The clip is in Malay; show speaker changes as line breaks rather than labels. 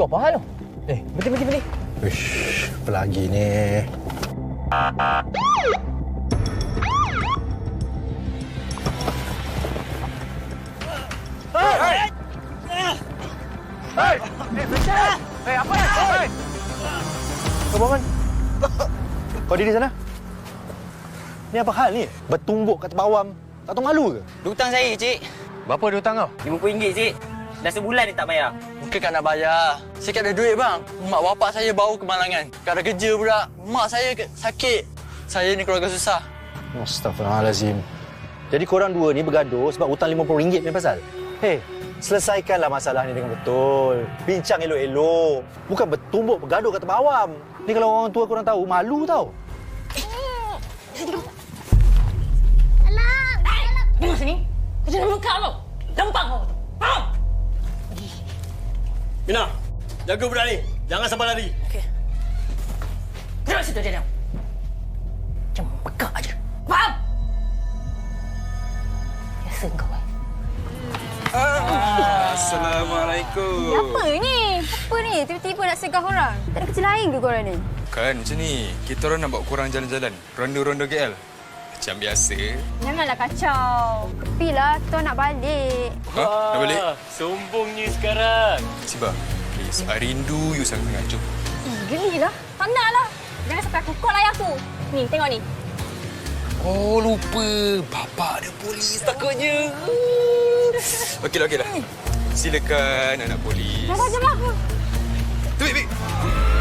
Kau apa hal tu? Berhenti.
Uish, apa lagi ni?
Apa ni?
Kau bangun. Kau diri sana. Ni apa hal ni? Bertumbuk kat bawam. Tak tahu malu ke?
Hutang saya, cik.
Berapa dia hutang kau?
RM50, cik. Dah sebulan dia tak bayar.
Bukan nak bayar. Saya tak ada duit, bang. Mak bapak saya baru ke Malangan. Tak ada kerja pula. Mak saya sakit. Saya ni keluarga susah.
Astaghfirullahalazim. Jadi korang dua ni bergaduh sebab hutang RM50 ni pasal? Hei, selesaikanlah masalah ni dengan betul. Bincang elok-elok. Bukan bertumbuk bergaduh kat bawam. Ni kalau orang tua korang tahu, malu tau.
Tengok sini. Kerja dalam muka kau. Lempang kau. Faham?
Mina, jaga budak ni. Jangan sampai lari.
Okey. Tengok situ dia. Macam pekak aja. Faham? Biasa kau.
Assalamualaikum.
Apa ni? Apa ni? Tiba-tiba nak segah orang. Tak ada kerja lain ke korang ni?
Bukan macam ni. Kita orang nak bawa korang jalan-jalan. Ronda-ronda KL. Macam biasa.
Janganlah kacau. Tepilah, kita nak balik.
Ha? Nak balik?
Sombongnya sekarang.
Siba, please. I rindu you sangat. Jom.
Gelilah. Tak naklah. Jangan sampai aku call ayah aku. Ni, tengok ni.
Oh, lupa. Bapak ada polis takutnya. Okeylah. Silakan anak polis.
Jangan aku.
Tu, Bik.